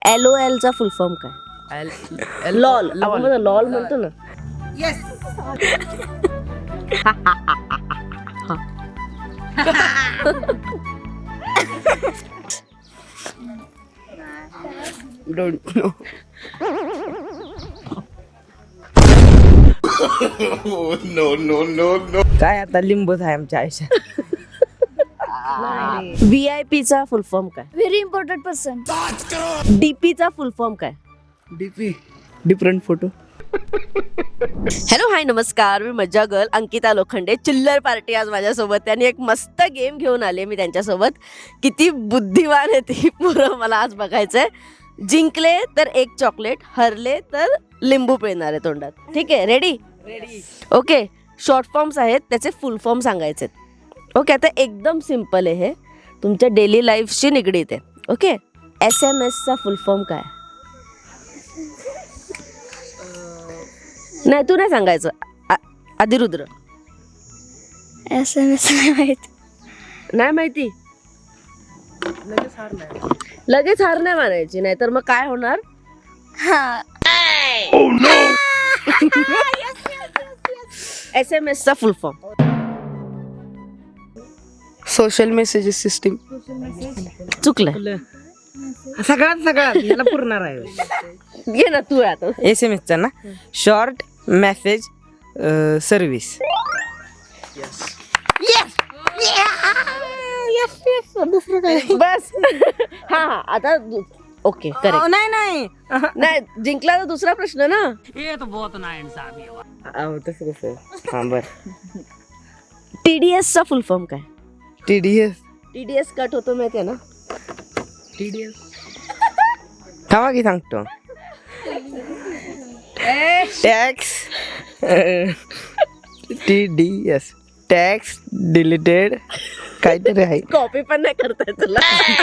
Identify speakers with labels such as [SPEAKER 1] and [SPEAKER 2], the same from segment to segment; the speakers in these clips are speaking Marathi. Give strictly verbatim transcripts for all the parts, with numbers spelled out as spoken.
[SPEAKER 1] एल ओ एल चा फुल फॉर्म काय? लॉल. आपण लॉल म्हणतो ना.
[SPEAKER 2] Yes.
[SPEAKER 1] Don't know.
[SPEAKER 3] No no no no.
[SPEAKER 2] काय आता लिंबूच आहे आमच्या आयुष्यात.
[SPEAKER 1] व्ही आय पी चा फुल फॉर्म काय?
[SPEAKER 4] Very important person.
[SPEAKER 1] डीपी चा फुल फॉर्म काय?
[SPEAKER 2] DP different photo.
[SPEAKER 1] Hello hi नमस्कार, मी मज्जा गर्ल अंकिता लोखंडे. चिल्लर पार्टी आज माझ्यासोबत. त्यांनी एक मस्त गेम घेऊन आले मी त्यांच्यासोबत. किती बुद्धिवान आहे ती पोरं मला आज बघायचंय. जिंकले तर एक चॉकलेट, हरले तर लिंबू पिळणार आहे तोंडात. ठीक आहे, ready?
[SPEAKER 2] Ready.
[SPEAKER 1] Okay. Short forms आहेत, त्याचे फुल फॉर्म सांगायचे. ओके, आता एकदम सिम्पल आहे हे, तुमच्या डेली लाईफशी निगडीत आहे. ओके. एस एम एसचा फुल फॉर्म काय? नाही, तू नाही सांगायचं. आ- अधिरुद्र.
[SPEAKER 4] एस एम एस नाही माहिती.
[SPEAKER 1] नाही माहिती. लगेच हार नाही मानायची, नाही तर मग काय होणार?
[SPEAKER 4] हा.
[SPEAKER 1] एस एम एसचा full form.
[SPEAKER 2] Social messages system.
[SPEAKER 1] चुकलंय.
[SPEAKER 2] सगळ्यात सगळ्यात याला पुरणार आहे.
[SPEAKER 1] घे ना तू आता.
[SPEAKER 2] एस एम एसचा ना, शॉर्ट मेसेज सर्व्हिस.
[SPEAKER 1] बस. हा हा आता दु- ओके करेक्ट.
[SPEAKER 2] नाही नाही
[SPEAKER 1] नाही, जिंकला तर दुसरा प्रश्न ना.
[SPEAKER 2] अहो, तसं कसं. हा बर.
[SPEAKER 1] टीडीएस चा फुल फॉर्म काय?
[SPEAKER 2] T D S.
[SPEAKER 1] TDS cut होतो माहितीये ना.
[SPEAKER 2] टी डी एस थांबा की सांगतो. Tax T D S tax deleted काहीतरी आहे.
[SPEAKER 1] कॉपी पण नाही करताय तुला.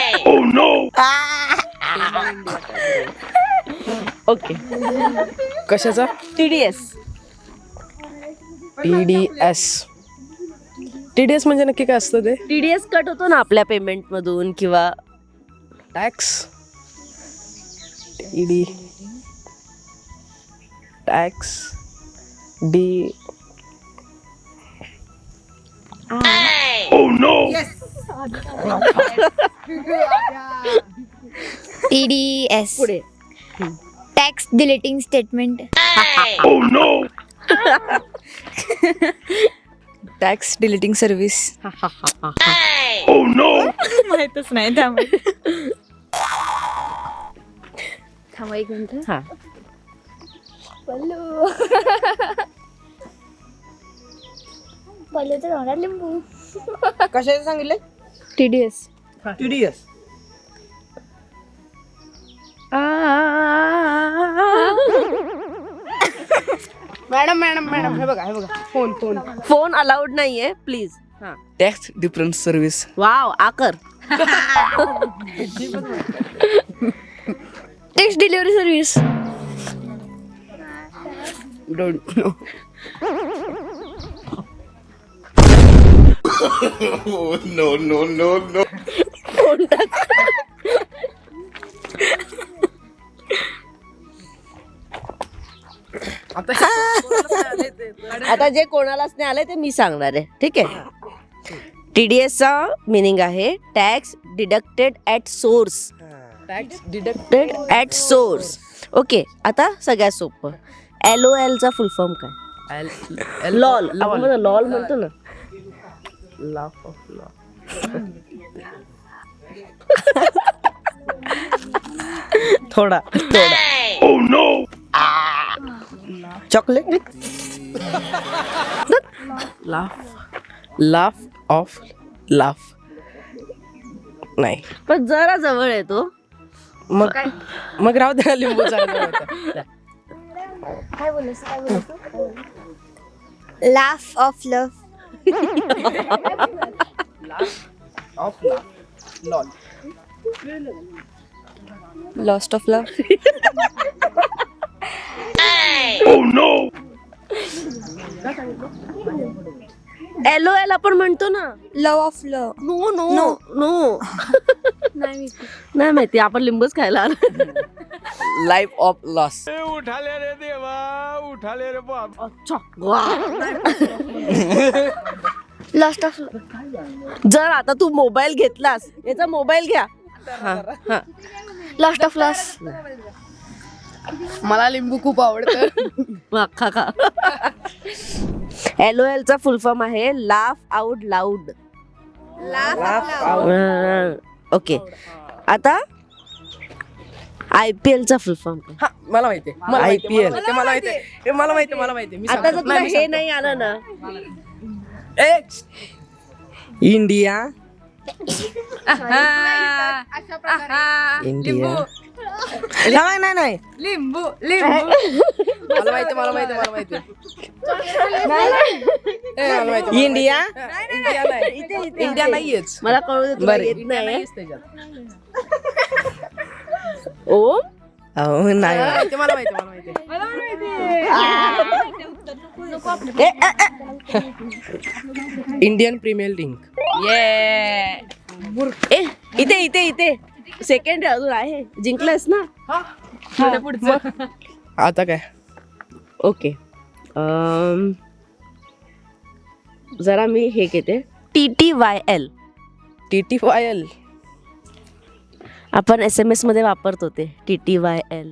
[SPEAKER 1] ओके.
[SPEAKER 2] कशाचा?
[SPEAKER 1] TDS.
[SPEAKER 2] T D S. T D S म्हणजे नक्की काय असतं ते?
[SPEAKER 1] टीडीएस कट होतो ना आपल्या पेमेंट मधून किंवा
[SPEAKER 2] tax. T D tax D.
[SPEAKER 4] T D S.
[SPEAKER 1] पुढे.
[SPEAKER 4] Tax deleting statement.
[SPEAKER 2] Tax deleting service. माहितच नाही त्यामुळे.
[SPEAKER 4] थांबा एक मिनिट.
[SPEAKER 1] हा.
[SPEAKER 4] पल्लू. पल्लूचं तोंडात लिंबू.
[SPEAKER 2] कशाचं सांगितलं?
[SPEAKER 4] T D S.
[SPEAKER 2] T D S. Madam madam madam हे बघा हे बघा फोन फोन.
[SPEAKER 1] फोन अलाउड नाहीये प्लीज. हा.
[SPEAKER 2] Tax difference service.
[SPEAKER 1] वाव आकर.
[SPEAKER 4] Tax delivery service.
[SPEAKER 2] Don't know.
[SPEAKER 3] No no no no.
[SPEAKER 1] Phone टाक. आता जे कोणालाच नाही आलंय ते मी सांगणार आहे. ठीक आहे. टीडीएस चा मिनिंग आहे tax deducted at source.
[SPEAKER 2] Tax deduct.
[SPEAKER 1] Deducted at source. Okay. आता सगळ्यात सोपं. एल ओ एल चा फुल फॉर्म काय? लॉल. आपण लॉल म्हणतो ना.
[SPEAKER 2] Laugh of law. थोडा थोडा. Chocolate. Laugh laugh of laugh. नाही
[SPEAKER 1] पण जरा जवळ आहे तो.
[SPEAKER 2] मग मग राहू दे लिंबू चांगला.
[SPEAKER 4] काय बोलस काय बोलस. Laugh of love.
[SPEAKER 2] Of laugh LOL.
[SPEAKER 4] Lost of love.
[SPEAKER 1] L O L आपण म्हणतो ना.
[SPEAKER 4] Love of love.
[SPEAKER 1] No no no.
[SPEAKER 4] नाही
[SPEAKER 1] नाही माहिती, आपण लिंबूच खायला आलो.
[SPEAKER 2] Life of loss.
[SPEAKER 1] अच्छा वा.
[SPEAKER 4] लॉस्ट ऑफ
[SPEAKER 1] जर आता तू मोबाईल घेतलास, याचा मोबाईल घ्या. हा हा
[SPEAKER 4] लॉस्ट ऑफ लॉस.
[SPEAKER 2] मला लिंबू खूप आवडतं.
[SPEAKER 1] खा खा. एल ओ एल चा फुल फॉर्म आहे लाफ आउट लाऊड. ओके, आता आय पी एल चा फुल फॉर्म काय?
[SPEAKER 2] हा मला माहिती आहे. आय पी एल मला माहिती आहे. मला माहिती आहे. मला माहिती आहे.
[SPEAKER 1] आता जर तुला हे नाही आलं ना,
[SPEAKER 2] इंडिया इंडिया नाही नाही नाही
[SPEAKER 5] लिंबू लिंबू
[SPEAKER 2] मला माहिती मला माहिती मला माहिती ए, मला माहिती इंडिया इंडिया नाही इंडिया नाहीयेच.
[SPEAKER 1] मला कळू दे, तुला
[SPEAKER 2] बरं.
[SPEAKER 1] येत नाही.
[SPEAKER 2] नाहीच त्याच्यात.
[SPEAKER 1] ओम
[SPEAKER 2] अहो नाही माहिती, मला माहिती मला माहिती
[SPEAKER 1] ए, ए, ए.
[SPEAKER 2] Indian Premier League.
[SPEAKER 1] ए, इथे इथे इथे सेकंड अजून आहे. जिंकलंस ना.
[SPEAKER 2] आता काय
[SPEAKER 1] ओके, अम, जरा मी हे घेते. T T Y L
[SPEAKER 2] T T Y L
[SPEAKER 1] आपण एस एम एस मध्ये वापरतो ते. टी टी वाय एल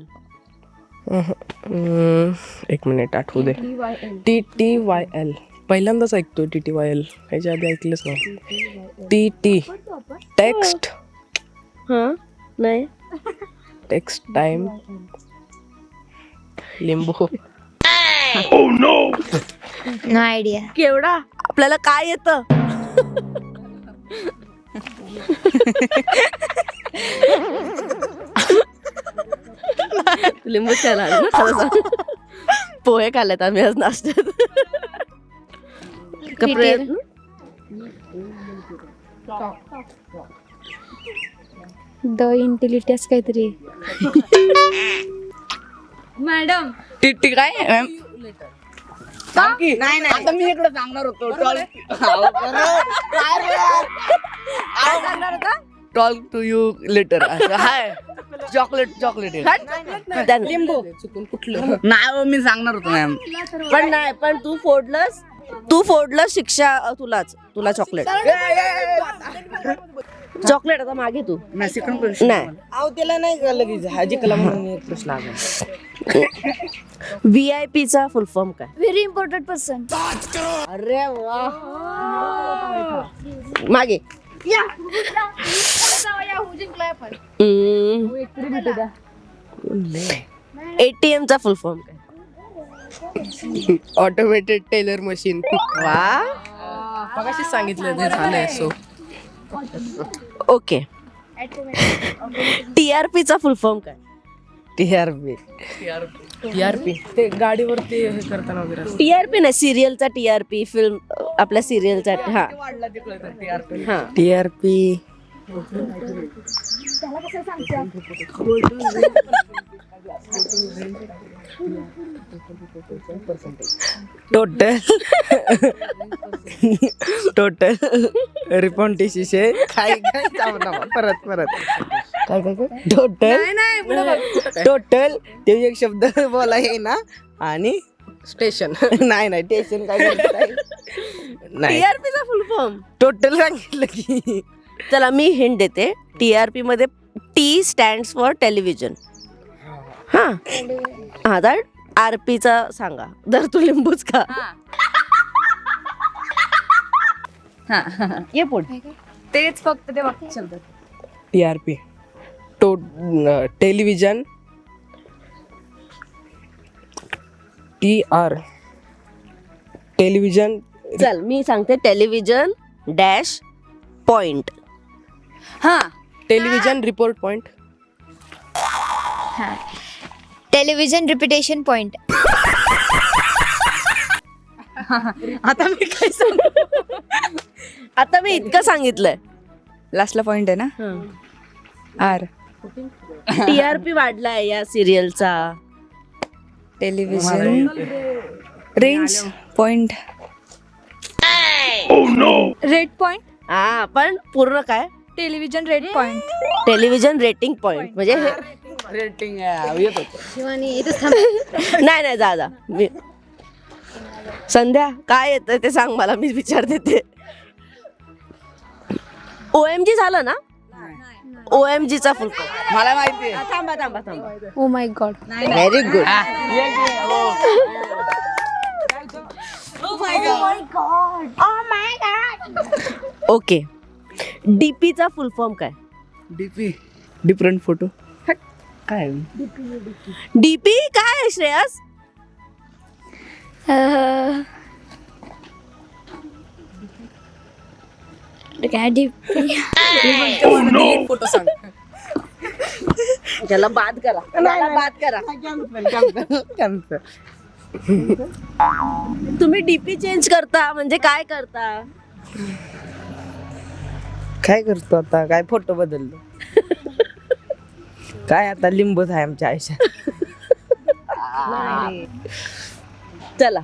[SPEAKER 2] एक मिनिट आठवू दे. टी टी वाय एल पहिल्यांदाच ऐकतो. टी टी वाय एल ह्याच्या आधी ऐकलंच नाही. टी टी टेक्स्ट
[SPEAKER 1] हा नाही
[SPEAKER 2] टेक्स्ट टाइम लिंबू.
[SPEAKER 4] No idea.
[SPEAKER 1] केवढा आपल्याला काय येतं. लिंबू खायला ना, खरं सांग. पोहे खाल्लेत आम्ही आज नाश्त्यात. का प्रयत्न?
[SPEAKER 4] द इंटेलिटस काहीतरी.
[SPEAKER 5] मॅडम
[SPEAKER 2] टी टी काय नाही नाही आता मी इकडे सांगणार होतो. Talk to you later. Hi chocolate chocolate
[SPEAKER 1] लिंबू
[SPEAKER 2] चुकून कुठलं नाही मी सांगणार होतो मॅम.
[SPEAKER 1] पण नाही, पण तू फोडलंस. तू फोडलंस, शिक्षा अ, तुलाच. तुला चॉकलेट चॉकलेट आता मागे तू. नाही,
[SPEAKER 2] अहो त्याला नाही का लगेच हाजी कला म्हणून एक प्रश्न आला.
[SPEAKER 1] व्ही आय पी चा फुल फॉर्म काय?
[SPEAKER 4] Very important person.
[SPEAKER 1] अरे वा, मागे. एटीएम चा फुल फॉर्म काय?
[SPEAKER 2] Automated teller machine.
[SPEAKER 1] वा,
[SPEAKER 2] मगाशीच सांगितलं ते झालंय. So
[SPEAKER 1] okay. T R P चा फुल फॉर्म काय?
[SPEAKER 2] T R P T R P ते गाडीवरती हे करताना वगैरे
[SPEAKER 1] टी आर पी नाही, सिरियलचा टी आर पी. फिल्म आपल्या सिरियलचा. हा हा
[SPEAKER 2] T R P total total रिपॉन्टिशे काय काय परत परत काय काय काय टोटल टोटल ते एक शब्द बोला आहे ना. आणि स्टेशन नाही नाही स्टेशन काय नाही.
[SPEAKER 1] टी आर पी चा फुल फॉर्म
[SPEAKER 2] टोटल सांगितलं की.
[SPEAKER 1] चला मी हिंट देते. टी आर पी मध्ये टी स्टँड फॉर टेलिव्हिजन. हा हा तर आर पी चा सांगा. जर तू लिंबूच का. ये पुढे.
[SPEAKER 5] तेच फक्त ते वाक्य शब्द.
[SPEAKER 2] T R P to television. T R television.
[SPEAKER 1] चल मी सांगते. Television dash point.
[SPEAKER 5] हा
[SPEAKER 2] television report point.
[SPEAKER 4] Television repetition point.
[SPEAKER 5] आता मी काय सांगू.
[SPEAKER 1] आता मी इतकं सांगितलंय.
[SPEAKER 5] लास्टला पॉइंट आहे ना. आर
[SPEAKER 1] टी आर पी वाढलाय या सिरियलचा.
[SPEAKER 5] Television range point. Red point.
[SPEAKER 1] हा पण पूर्ण काय?
[SPEAKER 5] Television rate point.
[SPEAKER 1] Television rating point म्हणजे हे
[SPEAKER 2] रेटिंग येत होतं.
[SPEAKER 1] नाही नाही जा जा मी संध्या काय येतं ते सांग मला, मी विचारते ते. ओ एम जी झालं ना? ओ एम जीचा फुल फॉर्म
[SPEAKER 2] मला माहिती आहे.
[SPEAKER 1] थांबा थांबा थांबा.
[SPEAKER 4] Oh my god.
[SPEAKER 1] Very good. Okay, डीपीचा फुल फॉर्म काय?
[SPEAKER 2] DP different photo. काय
[SPEAKER 1] डीपी काय आहे श्रेयस?
[SPEAKER 4] काय डीप
[SPEAKER 2] फोटो सांग.
[SPEAKER 1] त्याला बाद करा, त्याला बाद करा.
[SPEAKER 2] कॅन्सर.
[SPEAKER 1] तुम्ही डीपी चेंज करता म्हणजे काय करता?
[SPEAKER 2] काय करतो आता? काय फोटो बदललो. काय आता लिंबूच आहे आमच्या आयुष्यात.
[SPEAKER 1] चला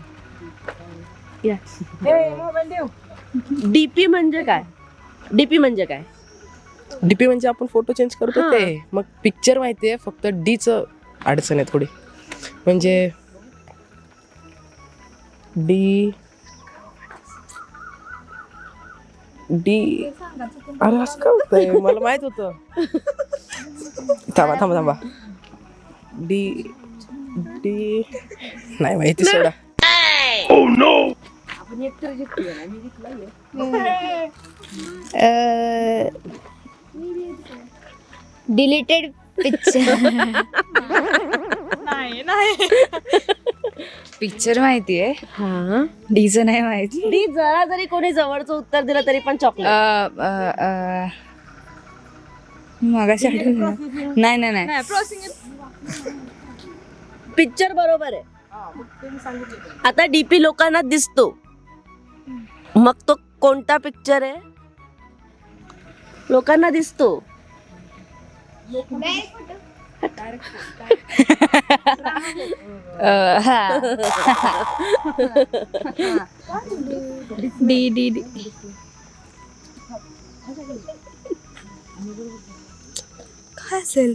[SPEAKER 1] डीपी म्हणजे काय? डीपी म्हणजे काय?
[SPEAKER 6] डीपी म्हणजे आपण फोटो चेंज करतो
[SPEAKER 1] हा.
[SPEAKER 6] ते. मग पिक्चर माहितीये, फक्त डीच अडचण आहे थोडी. म्हणजे डी डी अरे असं काय होतंय, मला माहित होतं. थांबा थांबा थांबा डी डी नाही माहिती सोडा.
[SPEAKER 4] Deleted picture.
[SPEAKER 5] पिक्चर माहितीये,
[SPEAKER 1] हा,
[SPEAKER 5] डीचं नाही माहिती.
[SPEAKER 1] डी जरा जरी कोणी जवळचं उत्तर दिलं तरी पण चॉकलेट.
[SPEAKER 5] मगाशी आठवलं. नाही नाही नाही
[SPEAKER 1] पिक्चर बरोबर आहे. आता डीपी लोकांना दिसतो, मग तो कोणता पिक्चर आहे? लोकांना दिसतो.
[SPEAKER 5] डी डी डी काय असेल?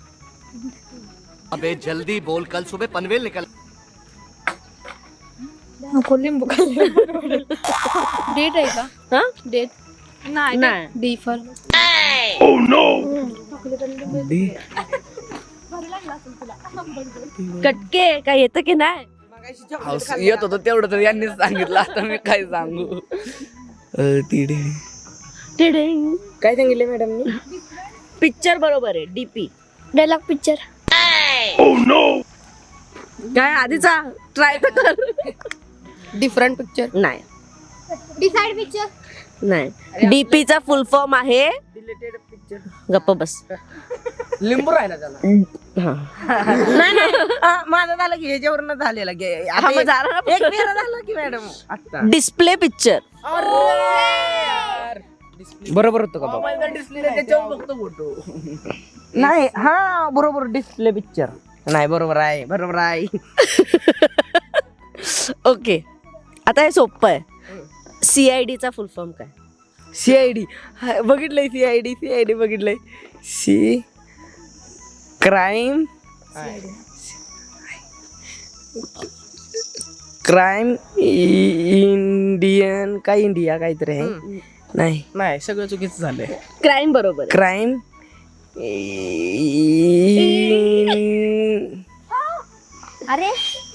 [SPEAKER 7] अबे जल्दी बोल, कल सुबह पनवेल निकल.
[SPEAKER 5] नको लिंबू डेट आहे का?
[SPEAKER 1] हा
[SPEAKER 5] डेट नाही
[SPEAKER 1] नाही.
[SPEAKER 5] डी फॉर
[SPEAKER 1] कटके काय येतं की नाही?
[SPEAKER 2] येत होतं तेवढं तर यांनीच सांगितलं. आता मी काय सांगू. तिडे
[SPEAKER 1] टिडिंग.
[SPEAKER 2] काय सांगितले मॅडम?
[SPEAKER 1] पिक्चर बरोबर आहे. DP
[SPEAKER 4] dialogue picture.
[SPEAKER 1] काय आधीचा ट्राय तर कर.
[SPEAKER 2] Different picture.
[SPEAKER 1] नाही
[SPEAKER 4] डिसाइड पिक्चर.
[SPEAKER 1] नाही, डीपीचा फुल फॉर्म आहे.
[SPEAKER 2] Deleted picture.
[SPEAKER 1] गप्प बस.
[SPEAKER 2] लिंबू राहिला त्याला.
[SPEAKER 1] हा.
[SPEAKER 2] नाही नाही हा, माझं झालं की ह्याच्यावरनं झालेलं की
[SPEAKER 1] हा,
[SPEAKER 2] आता
[SPEAKER 1] मग
[SPEAKER 2] एक-
[SPEAKER 1] झालं ना.
[SPEAKER 2] एक फेरा झालं की मॅडम आता.
[SPEAKER 1] Display picture.
[SPEAKER 2] बरोबर होतं का बाबा? डिस्प्ले त्याच्यावर बघतो फोटो. नाही हा बरोबर डिस्प्ले पिक्चर. नाही बरोबर आहे, बरोबर आहे.
[SPEAKER 1] ओके, आता हे सोपं आहे. सीआयडीचा फुल फॉर्म काय?
[SPEAKER 2] सीआयडी बघितलंय. सीआयडी सीआयडी बघितलंय. सी क्राईम क्राईम इंडियन काय इंडिया काहीतरी आहे. नाही
[SPEAKER 6] नाही, सगळं चुकीचं झालंय.
[SPEAKER 1] क्राईम बरोबर आहे.
[SPEAKER 2] क्राईम
[SPEAKER 4] अरे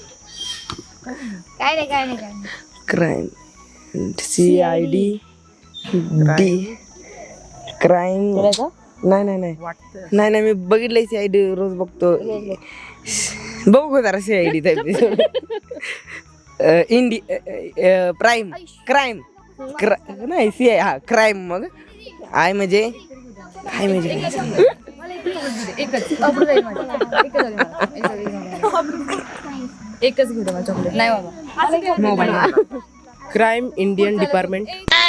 [SPEAKER 4] काय नाही काय नाही काय नाही.
[SPEAKER 2] Crime C I D D crime. नाही नाही नाही नाही नाही मी बघितलंय सी आय डी रोज बघतो. बघू जरा C I D type. Indie prime crime नाही सी आय हा क्राईम. मग आय म्हणजे काय म्हणजे
[SPEAKER 5] एकच घेऊ दे चॉकलेट. नाही बाबा
[SPEAKER 2] mobile.
[SPEAKER 6] Crime Indian department.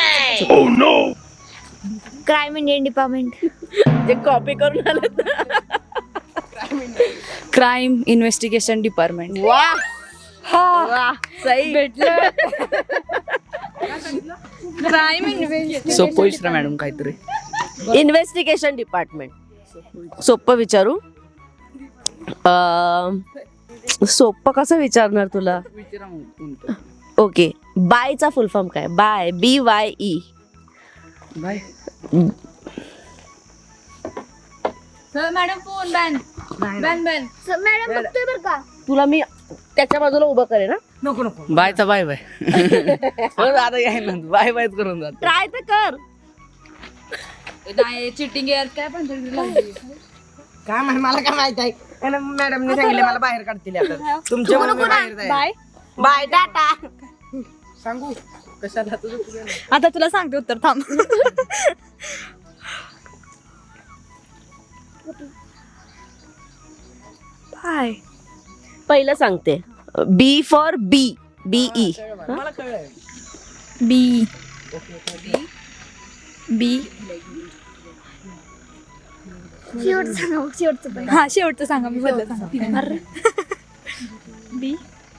[SPEAKER 4] Crime Indian department.
[SPEAKER 1] जे कॉपी करून आले.
[SPEAKER 5] Crime investigation department.
[SPEAKER 1] वा वा, सही
[SPEAKER 5] भेटलं. क्राईम इन्व्हेस्टिगेशन
[SPEAKER 2] सोपं विचारा मॅडम काहीतरी.
[SPEAKER 1] Investigation department. सोपं विचारू. अं, सोपं कसं विचारणार तुला. ओके, बायचा फुल फॉर्म काय. Bye, B Y E.
[SPEAKER 2] Bye.
[SPEAKER 5] Madam phone ban ban ban.
[SPEAKER 4] Madam बघतोय बरं का.
[SPEAKER 1] तुला मी त्याच्या बाजूला उभं करेन ना.
[SPEAKER 2] नको नको बायचा बाय बाय. आता याय ना बाय बायच करून जात.
[SPEAKER 1] ट्राय तर कर.
[SPEAKER 5] नाही चिटिंग यार काय पण
[SPEAKER 2] काय माहिती मला काय माहित आहे. मॅडमने सांगितले मला बाहेर काढतील आता. तुमच्या बाहेर
[SPEAKER 5] बाय
[SPEAKER 2] बाय टाटा. सांगू कशाला तुझं तुझं नाही.
[SPEAKER 5] आता तुला सांगते उत्तर थांब. बाय.
[SPEAKER 1] पहिलं सांगते. B for B. B E.
[SPEAKER 2] मला कळलंय.
[SPEAKER 5] बी बी.
[SPEAKER 4] शेवटचं सांगा, शेवटचं पण.
[SPEAKER 5] हा शेवटचं सांगा मी बदल सांगा. बी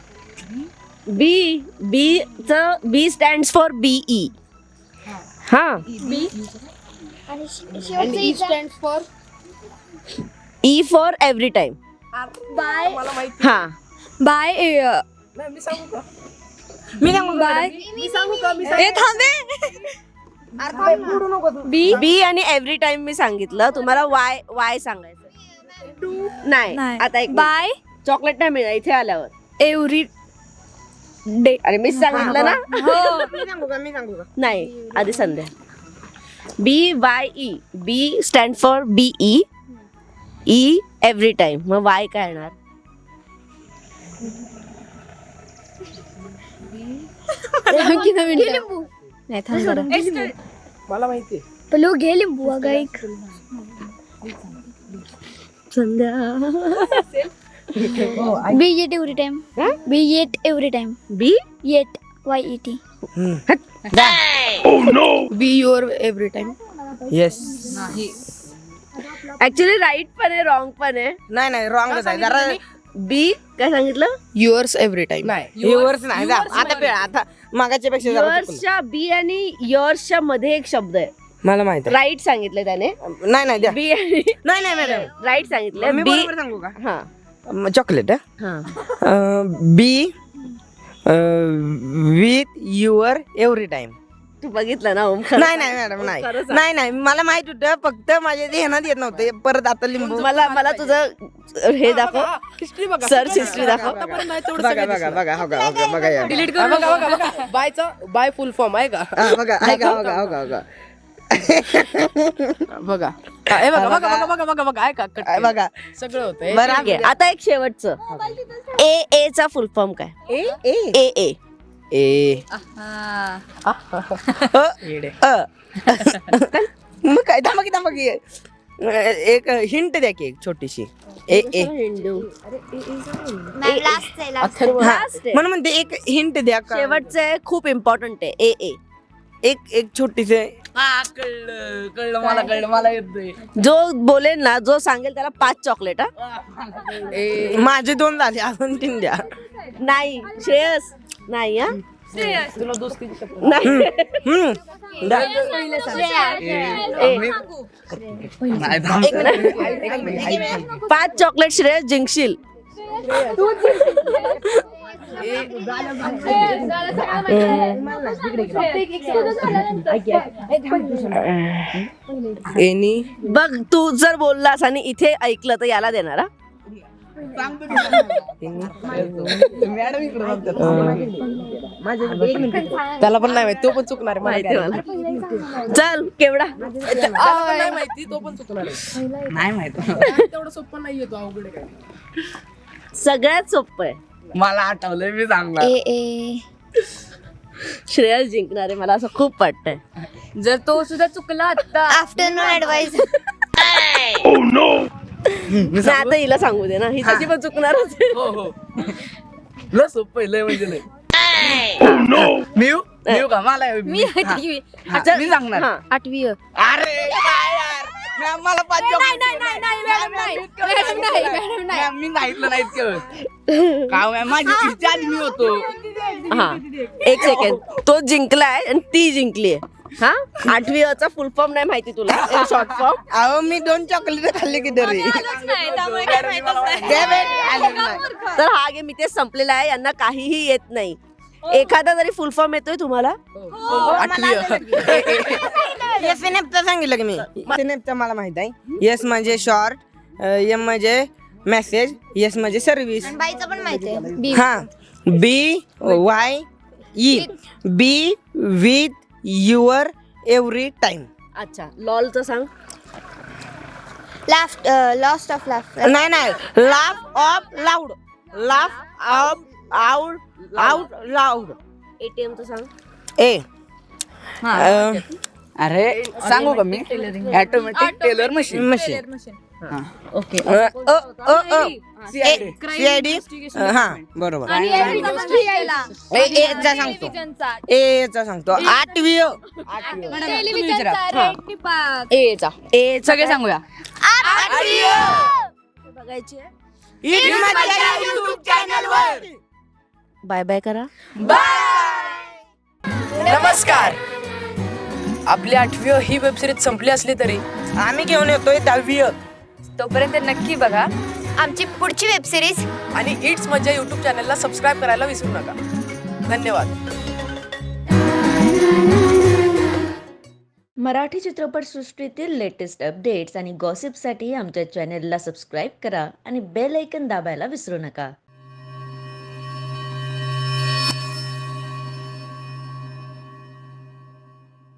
[SPEAKER 1] बी बी च बी स्टँड फॉर बीई. हा.
[SPEAKER 5] बी
[SPEAKER 4] आणि शे- शेवटचं stand for
[SPEAKER 1] E for every time.
[SPEAKER 5] Bye
[SPEAKER 2] मला माहिती.
[SPEAKER 1] हा.
[SPEAKER 5] बाय
[SPEAKER 2] नाही मी सांगू का. मी सांगू का
[SPEAKER 5] बाय.
[SPEAKER 2] मी सांगू का मी
[SPEAKER 5] ए थांबे.
[SPEAKER 2] अरे बोलू नको तू.
[SPEAKER 1] बी बी आणि एव्हरी टाइम मी सांगितलं. तुम्हाला वाय वाय सांगायचं नाही.
[SPEAKER 5] नाही.
[SPEAKER 1] आता एक
[SPEAKER 5] बाय
[SPEAKER 1] चॉकलेट नाही मिळणार इथे आल्यावर.
[SPEAKER 5] Every day.
[SPEAKER 1] अरे मी सांगितलं ना.
[SPEAKER 5] हो.
[SPEAKER 2] मी सांगू का मी सांगू का.
[SPEAKER 1] नाही आधी Sandhya. B Y E. B stand for BE. E every time. मग वाय काय येणार.
[SPEAKER 4] लिंबू.
[SPEAKER 5] नाही थांब जरा.
[SPEAKER 2] मला माहिती आहे.
[SPEAKER 4] पलो घे लिंबू अगं एक.
[SPEAKER 1] Sandhya.
[SPEAKER 4] B yet every time. B yet every time.
[SPEAKER 1] B
[SPEAKER 4] yet Y E T.
[SPEAKER 6] B your every time.
[SPEAKER 2] Yes.
[SPEAKER 1] Actually right पण आहे रॉंग पण आहे.
[SPEAKER 2] नाही नाही रॉंगच आहे जरा.
[SPEAKER 1] बी काय सांगितलं.
[SPEAKER 6] Yours every time.
[SPEAKER 2] नाही युअर्स नाही जा. आता पे आता मागाच्या पेक्षा जरा चुकलं.
[SPEAKER 1] युअर्सच्या बी आणि युअर्सच्या मध्ये एक शब्द आहे.
[SPEAKER 2] मला माहित आहे.
[SPEAKER 1] राईट सांगितलं त्याने.
[SPEAKER 2] नाही नाही द्या.
[SPEAKER 1] बी आणि
[SPEAKER 2] नाही नाही मॅडम
[SPEAKER 1] राईट सांगितलं.
[SPEAKER 2] मी
[SPEAKER 1] बी.
[SPEAKER 2] बरोबर सांगू का.
[SPEAKER 1] हा
[SPEAKER 2] चॉकलेट
[SPEAKER 1] हा.
[SPEAKER 2] B with your every time.
[SPEAKER 1] तू बघितलं ना ओम. खरं
[SPEAKER 2] नाही नाही मॅडम नाही
[SPEAKER 1] खरं सांग.
[SPEAKER 2] नाही नाही मला माहित होतं फक्त माझ्या ध्यानात येत नव्हतं. परत आता लिंबू.
[SPEAKER 1] मला मला तुझं हे दाखव.
[SPEAKER 6] हिस्ट्री बघा.
[SPEAKER 1] सर्च हिस्ट्री दाखव.
[SPEAKER 6] आतापर्यंत नाही तेवढं
[SPEAKER 2] बघा
[SPEAKER 6] सगळं
[SPEAKER 2] बघा
[SPEAKER 6] दिसलं.
[SPEAKER 2] बघा हो का हो का बघा या.
[SPEAKER 6] डिलीट करू बघा बघा बघा. बायचा बाय फुल फॉर्म आहे का.
[SPEAKER 2] हा, बघा ऐका हो का हो का हो का.
[SPEAKER 6] बघा हा, हे बघा बघा बघा बघा बघा बघा ऐका कट
[SPEAKER 2] हा,
[SPEAKER 6] केलं.
[SPEAKER 2] बघा
[SPEAKER 6] सगळं होतं
[SPEAKER 2] बरं
[SPEAKER 1] ठीक आहे. आता एक शेवटचं. ए ए चा फुल फॉर्म काय.
[SPEAKER 2] ए ए
[SPEAKER 1] ए ए.
[SPEAKER 2] ए
[SPEAKER 5] हा.
[SPEAKER 2] अ,
[SPEAKER 6] येडे.
[SPEAKER 2] अ. मग काय थांबा की थांबा की एक हिंट द्या की एक छोटीशी. ए ए
[SPEAKER 1] हिंदू.
[SPEAKER 4] लास्ट आहे लास्ट.
[SPEAKER 1] Last आहे.
[SPEAKER 2] म्हणून म्हणते एक हिंट द्या का.
[SPEAKER 1] शेवटचं आहे खूप इम्पॉर्टंट आहे. ए ए.
[SPEAKER 2] एक एक छोटीसे. कळलं कळलं मला कळलं मला येतंय.
[SPEAKER 1] जो बोलेल ना जो सांगेल त्याला पाच चॉकलेट. हा
[SPEAKER 2] माझे दोन झाले अजून तीन द्या.
[SPEAKER 1] नाही श्रेयस नाही. हा
[SPEAKER 6] तुला दोस्तीची शपथ.
[SPEAKER 1] नाही.
[SPEAKER 2] हम्म. द्या.
[SPEAKER 1] ए, एक मिनिट. पाच चॉकलेट श्रेयस जिंकशील.
[SPEAKER 2] एनी
[SPEAKER 1] बघ तू जर बोललास आणि इथे ऐकलं तर याला देणार. हा?
[SPEAKER 6] त्याला पण नाही माहिती तो पण चुकणार आहे.
[SPEAKER 1] माहिती
[SPEAKER 6] मला
[SPEAKER 1] मला. चल केवढा.
[SPEAKER 6] त्याला पण नाही माहिती तो पण चुकणार आहे.
[SPEAKER 2] नाही माहित.
[SPEAKER 6] तेवढं सोपं नाहीये तो अवघड आहे काय.
[SPEAKER 1] सगळ्यात सोपं आहे.
[SPEAKER 2] मला आठवलंय मी सांगणार.
[SPEAKER 4] ए ए.
[SPEAKER 1] श्रेयस जिंकणार आहे मला असं खूप वाटतंय.
[SPEAKER 5] जर तो सुद्धा चुकला आता.
[SPEAKER 4] Afternoon advice.
[SPEAKER 1] नाही, आता हिला सांगू दे ना. ही तशी पण चुकणारच आहे.
[SPEAKER 6] हो हो लय सोपं आहे, लय म्हणजे लय.
[SPEAKER 2] मी मी का मला
[SPEAKER 5] मी आठवी
[SPEAKER 2] हा, मी सांगणार.
[SPEAKER 1] हा.
[SPEAKER 5] आठवी
[SPEAKER 2] अरे काय यार मॅम मला पाच
[SPEAKER 5] नाही,
[SPEAKER 2] chocolate
[SPEAKER 5] नाही,
[SPEAKER 2] दे.
[SPEAKER 5] नाही, नाही, मॅडम, नाही.
[SPEAKER 2] मॅम, इतकं
[SPEAKER 5] मॅडम,
[SPEAKER 2] नाही.
[SPEAKER 5] नाही, मॅडम, नाही.
[SPEAKER 2] मॅम, मी सांगितलं नाही इतकं. का मॅम माझी इच्छा आधी मी होतो.
[SPEAKER 1] हा एक सेकंड. तो जिंकलाय आणि ती जिंकली आहे. हा आठवी अ चा फुल फॉर्म नाही माहिती तुला शॉर्ट फॉर्म
[SPEAKER 2] अहो मी दोन चॉकलेट खाल्ले की तरी
[SPEAKER 1] तर हा गेम इथे संपलेला आहे. यांना काहीही येत नाही. एखादा तरी फुल फॉर्म येतोय तुम्हाला?
[SPEAKER 2] एस एन एफचा सांगितलं की मी एस एन एफचा मला माहित आहे. एस म्हणजे शॉर्ट, एम म्हणजे मेसेज, एस म्हणजे सर्व्हिस.
[SPEAKER 4] बाईचं पण माहिती आहे बी
[SPEAKER 2] हा B Y E B with your every time.
[SPEAKER 1] अच्छा लॉलचं सांग.
[SPEAKER 4] लाफ्ट लॉस्ट ऑफ लाफ्ट
[SPEAKER 2] नाही नाही laugh of loud laugh of out out loud.
[SPEAKER 1] एटीएमचं सांग.
[SPEAKER 2] ए
[SPEAKER 5] हा. अरे सांगू का मी automatic teller machine
[SPEAKER 2] machine
[SPEAKER 1] okay
[SPEAKER 2] CID. हा बरोबर. ए चा सांगतो ए चा सांगतो आठवी अ.
[SPEAKER 5] ए चा
[SPEAKER 1] ए
[SPEAKER 5] सगळे सांगूया.
[SPEAKER 1] बघायची आहे.
[SPEAKER 2] It's माझ्या YouTube channel वर.
[SPEAKER 1] बाय बाय करा.
[SPEAKER 6] नमस्कार. आपली आठवी अ ही वेबसिरीज संपली असली तरी
[SPEAKER 2] आम्ही घेऊन येतोय दहावी अ.
[SPEAKER 5] तोपर्यंत नक्की बघा
[SPEAKER 4] आमची पुढची वेब सिरीज
[SPEAKER 6] आणि इट्स मज्जा यूट्यूब चॅनलला सबस्क्राईब करायला विसरू नका. धन्यवाद.
[SPEAKER 8] मराठी चित्रपटसृष्टीतील लेटेस्ट अपडेट्स आणि गॉसिपसाठी आमच्या चॅनेलला सबस्क्राईब करा आणि बेल ऐकन दाबायला विसरू नका.